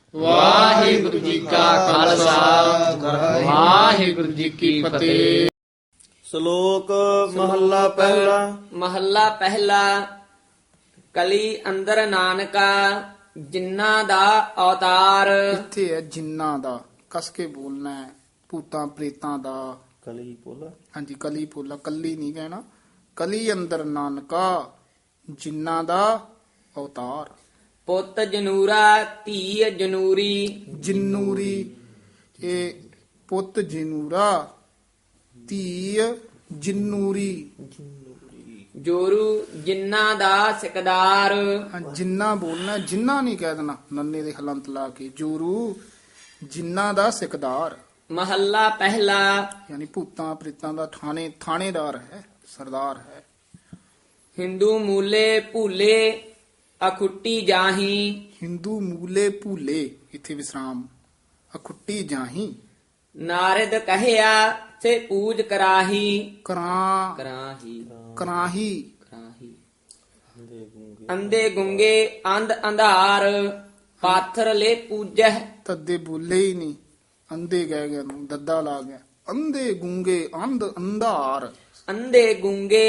ਵਾਹਿਗੁਰੂ ਜੀ ਕਾ ਖਾਲਸਾ ਵਾਹਿਗੁਰੂ ਜੀ ਕੀ ਫਤਿਹ। ਸ਼ਲੋਕ ਮਹੱਲਾ ਪਹਿਲਾ। ਮਹੱਲਾ ਪਹਿਲਾ। ਕਲੀ ਅੰਦਰ ਨਾਨਕਾ ਜਿਨ੍ਹਾਂ ਦਾ ਅਵਤਾਰ। ਇੱਥੇ ਹੈ ਜਿੰਨਾ ਦਾ, ਕਸ ਕੇ ਬੋਲਣਾ ਹੈ। ਭੂਤਾਂ ਪ੍ਰੇਤਾਂ ਦਾ, ਕਲੀ ਪੋਲਾ। ਹਾਂਜੀ ਕਲੀ ਪੋਲਾ, ਕੱਲੀ ਨਹੀਂ ਕਹਿਣਾ। ਕਲੀ ਅੰਦਰ ਨਾਨਕਾ ਜਿੰਨਾ ਦਾ ਅਵਤਾਰ। ਪੁੱਤ ਜਨੂਰਾ ਧੀ ਜਨੂਰੀ। ਜਿਨੂਰੀ, ਇਹ ਪੁੱਤ ਜਨੂਰਾ, ਧੀ ਜਿਨੂਰੀ। ਜੋਰੂ ਜਿਨ੍ਹਾਂ ਦਾ ਸਿਕਦਾਰ। ਹਾਂ, ਜਿੰਨਾ ਬੋਲਣਾ, ਜਿੰਨਾ ਨਹੀਂ ਕਹਿ ਦੇਣਾ ਨੰਨੇ ਦੇ ਹਲੰਤ ਲਾ ਕੇ। ਜੋਰੂ ਜਿੰਨਾ ਦਾ ਸਿਕਦਾਰ, ਮਹੱਲਾ ਪਹਿਲਾ। ਯਾਨੀ ਭੂਤਾਂ ਪ੍ਰੇਤਾਂ ਦਾ ਥਾਣੇਦਾਰ ਹੈ, ਸਰਦਾਰ ਹੈ। ਹਿੰਦੂ ਮੂਲੇ ਭੂਲੇ ਅਖੁੱਟੀ ਜਾਹੀ। ਹਿੰਦੂ ਮੂਲੇ ਭੂਲੇ, ਇੱਥੇ ਵਿਸਰਾਮ। ਅਖੁੱਟੀ ਜਾਹੀ, ਨਾਰਦ ਕਹਿਆ ਸੇ ਪੂਜ ਕਰਾਹੀ। ਕਰਾਂ ਕਰਾਹੀ ਕਰਾਹੀ, ਕਰਾਹੀ। ਅੰਧੇ ਗੁੰਗੇ ਅੰਧ ਅੰਧਾਰ ਪਾਥਰ ਲੈ ਪੂਜਹਿ। ਤੱਦੇ ਬੋਲੇ ਹੀ ਨਹੀਂ, ਅੰਧੇ ਕਹਿ ਗਿਆ ਨੂੰ ਦੱਦਾ ਲਾ ਗਿਆ। ਅੰਧੇ ਗੂੰਗੇ ਅੰਧ ਅੰਧਾਰ। ਅੰਧੇ ਗੁੰਗੇ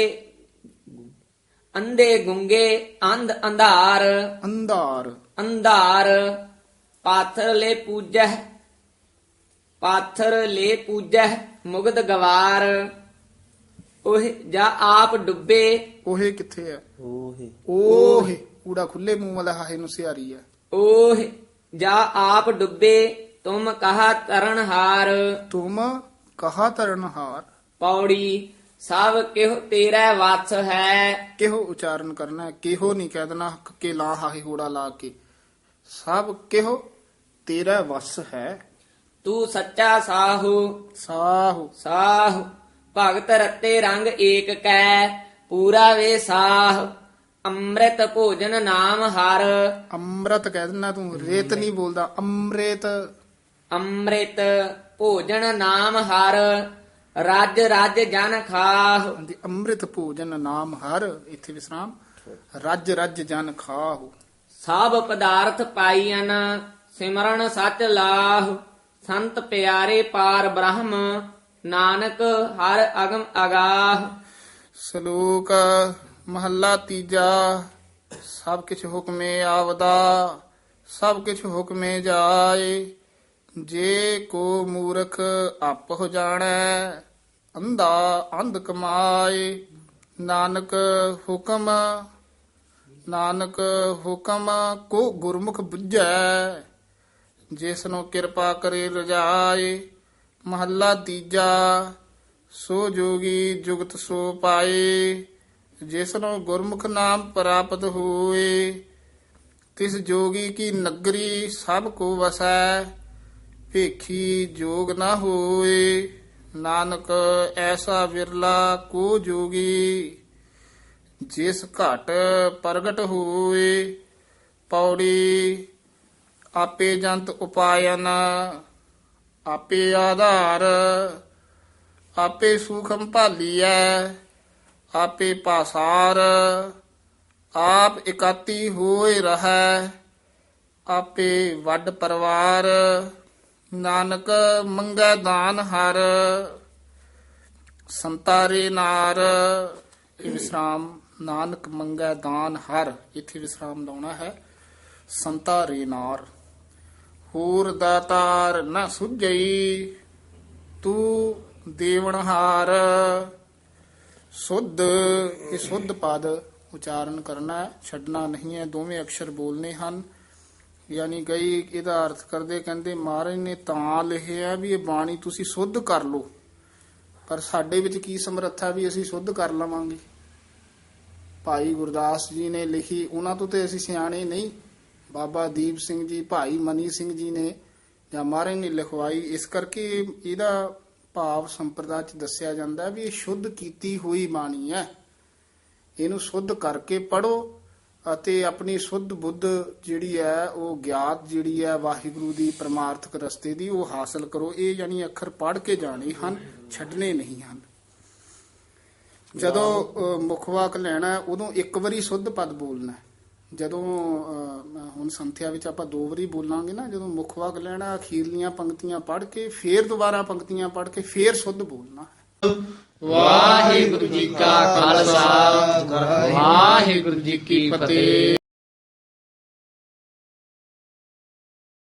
ਅੰਧ ਅੰਧਾਰ। ਅੰਧਾਰ, ਅੰਧਾਰ ਪਾਥਰ ਲੈ ਪੂਜਹਿ। ਪਾਥਰ ਲੈ ਪੂਜਹਿ ਮੁਗਧ ਗਵਾਰ। ਉਹ ਜਾ ਆਪ ਡੁੱਬੇ। ਉਹੇ ਕਿੱਥੇ ਹੈ? ਓਹੇ ਓਹ ਊੜਾ ਖੁੱਲੇ ਮੂੰਹ ਵਾਲਾ ਹਾਹੇ ਨੂੰ ਸਿਆਰੀ ਹੈ। ਓਹ ਜਾ ਆਪ ਡੁੱਬੇ ਤੁਮ ਕਹਾ ਤਰਨਹਾਰ। ਤੁਮ ਕਹਾ ਤਰਨਹਾਰ। ਪੌੜੀ ਸਭ ਕਿਹੁ ਤੇਰਾ ਵਸ ਹੈ। ਕਿਹੋ ਉਚਾਰਨ ਕਰਨਾ ਹੈ, ਕਿਹੋ ਨਹੀਂ ਕਹਿ ਦੇਣਾ ਕੇ ਲਾ ਹਾਹੇ ਹੋੜਾ ਲਾ ਕੇ। ਸਭ ਕਿਹੋ ਤੇਰਾ ਵਸ ਹੈ। ਤੂੰ ਸੱਚਾ ਸਾਹੂ। ਸਾਹੁ, ਸਾਹ ਭਗਤ ਰਤੇ ਰੰਗ ਏਕ ਕੈ ਪੂਰਾ ਵੇ ਸਾਹ। ਅੰਮ੍ਰਿਤ ਭੋਜਨ ਨਾਮ ਹਰ। ਅੰਮ੍ਰਿਤ ਕਹਿ ਦੇਣਾ ਤੂੰ, ਰੇਤ ਨਹੀਂ ਬੋਲਦਾ। ਅੰਮ੍ਰਿਤ, ਅੰਮ੍ਰਿਤ ਭੋਜਨ ਨਾਮ ਹਰ। ਰਾਜ ਰਾਜ ਜਨ ਖਾਹ। ਹਾਂਜੀ ਅੰਮ੍ਰਿਤ ਭੋਜਨ ਨਾਮ ਹਰ, ਇੱਥੇ ਵਿਸਰਾਮ। ਰੱਜ ਰੱਜ ਜਨ ਖਾਹੁ। ਸਭ ਪਦਾਰਥ ਪਾਈਨ ਸਿਮਰਨ ਸਚ ਲਾਹ। ਸੰਤ ਪਿਆਰੇ ਪਾਰ ਬ੍ਰਹਮ ਨਾਨਕ ਹਰ ਅਗਮ ਅਗਾਹ। ਸ਼ਲੋਕ ਮਹੱਲਾ ਤੀਜਾ। ਸਭ ਕਿਛ ਹੁਕਮੇ ਆਵਦਾ, ਸਭ ਕਿਛ ਹੁਕਮੇ ਜਾਏ। ਜੇ ਕੋ ਮੂਰਖ ਆਪ ਹੋ ਜਾਣੈ, ਅੰਧਾ ਅੰਧ ਕਮਾਏ। ਨਾਨਕ ਹੁਕਮ, ਨਾਨਕ ਹੁਕਮ ਕੋ ਗੁਰਮੁਖ ਬੁੱਝੈ। ਜਿਸਨੂੰ ਕਿਰਪਾ ਕਰੇ ਰਜਾਏ। ਮਹੱਲਾ ਤੀਜਾ। ਸੋ ਜੋਗੀ ਜੁਗਤ ਸੋ ਪਾਏ, ਜਿਸਨੂੰ ਗੁਰਮੁਖ ਨਾਮ ਪ੍ਰਾਪਤ ਹੋਏ। ਤਿਸ ਜੋਗੀ ਕੀ ਨਗਰੀ ਸਭ ਕੋ ਵਸੈ, ਭੇਖੀ ਜੋਗ ਨਾ ਹੋਏ। ਨਾਨਕ ਐਸਾ ਵਿਰਲਾ ਕੋ ਜੋਗੀ, ਜਿਸ ਘਟ ਪ੍ਰਗਟ ਹੋਏ। ਪੌੜੀ ਆਪੇ ਜੰਤ ਉਪਾਇਨ, ਆਪੇ ਆਧਾਰ। ਆਪੇ ਸੂਖਮ ਭਾਲੀਐ, ਆਪੇ ਪਾਸਾਰ। ਆਪ ਇਕਾਤੀ ਹੋਏ ਰਹੈ, ਆਪੇ ਵੱਡ ਪਰਵਾਰ। ਨਾਨਕ ਮੰਗੈ ਦਾਨ ਹਰ, ਸੰਤਾਰੇ ਨਾਰ। ਇਹ ਵਿਸਰਾਮ। ਨਾਨਕ ਮੰਗੈ ਦਾਨ ਹਰ, ਇੱਥੇ ਵਿਸਰਾਮ ਲਾਉਣਾ ਹੈ। ਸੰਤਾਰੇ ਨਾਰ। ਹੋਰ ਦਾਤਾਰ ਨਾ ਸੁਝਈ, ਤੂੰ ਦੇਵਨਹਾਰ। ਸੁਧ, ਇਹ ਸੁਧ ਪਦ ਉਚਾਰਨ ਕਰਨਾ ਹੈ, ਛੱਡਣਾ ਨਹੀਂ ਹੈ। ਦੋਵੇਂ ਅਕਸ਼ਰ ਬੋਲਨੇ ਹਨ। ਯਾਨੀ ਕਈ ਇਹਦਾ ਅਰਥ ਕਰਦੇ, ਕਹਿੰਦੇ ਮਹਾਰਾਜ ਨੇ ਤਾਂ ਲਿਖਿਆ ਵੀ ਇਹ ਬਾਣੀ ਤੁਸੀਂ ਸੁੱਧ ਕਰ ਲਓ, ਪਰ ਸਾਡੇ ਵਿੱਚ ਕੀ ਸਮਰੱਥਾ ਵੀ ਅਸੀਂ ਸੁੱਧ ਕਰ ਲਵਾਂਗੇ। ਭਾਈ ਗੁਰਦਾਸ ਜੀ ਨੇ ਲਿਖੀ, ਉਹਨਾਂ ਤੋਂ ਤੇ ਅਸੀਂ ਸਿਆਣੇ ਨਹੀਂ। ਬਾਬਾ ਦੀਪ ਸਿੰਘ ਜੀ, ਭਾਈ ਮਨੀ ਸਿੰਘ ਜੀ ਨੇ ਜਾਂ ਮਹਾਰਾਜ ਨੇ ਲਿਖਵਾਈ। ਇਸ ਕਰਕੇ ਇਹਦਾ ਭਾਵ ਸੰਪਰਦਾ ਚ ਦੱਸਿਆ ਜਾਂਦਾ ਵੀ ਇਹ ਸ਼ੁੱਧ ਕੀਤੀ ਹੋਈ ਬਾਣੀ ਹੈ। ਇਹਨੂੰ ਸ਼ੁੱਧ ਕਰਕੇ ਪੜੋ ਅਤੇ ਆਪਣੀ ਸੁੱਧ ਬੁੱਧ ਜਿਹੜੀ ਹੈ, ਉਹ ਗਿਆਤ ਜਿਹੜੀ ਹੈ ਵਾਹਿਗੁਰੂ ਦੀ ਪਰਮਾਰਥਕ ਰਸਤੇ ਦੀ, ਉਹ ਹਾਸਲ ਕਰੋ। ਇਹ ਯਾਨੀ ਅੱਖਰ ਪੜ੍ਹ ਕੇ ਜਾਣੇ ਹਨ, ਛੱਡਣੇ ਨਹੀਂ ਹਨ। ਜਦੋਂ ਮੁੱਖ ਵਾਕ ਲੈਣਾ ਉਦੋਂ ਇੱਕ ਵਾਰੀ ਸੁੱਧ ਪਦ ਬੋਲਣਾ, ਜਦੋਂ ਹੁਣ ਸੰਥਿਆ ਵਿੱਚ ਆਪਾਂ 2 ਵਾਰੀ ਬੋਲਾਂਗੇ ਨਾ, ਜਦੋਂ ਮੁੱਖ ਵਾਕ ਲੈਣਾ ਅਖੀਰਲੀਆਂ ਪੰਕਤੀਆਂ ਪੜ੍ਹ ਕੇ ਫੇਰ ਦੁਬਾਰਾ ਪੰਕਤੀਆਂ ਪੜ੍ਹ ਕੇ ਫੇਰ ਸੁੱਧ ਬੋਲਣਾ ਹੈ। ਵਾਹਿਗੁਰੂ ਜੀ ਕਾ ਖਾਲਸਾ ਵਾਹਿਗੁਰੂ ਜੀ ਕੀ ਫਤਿਹ।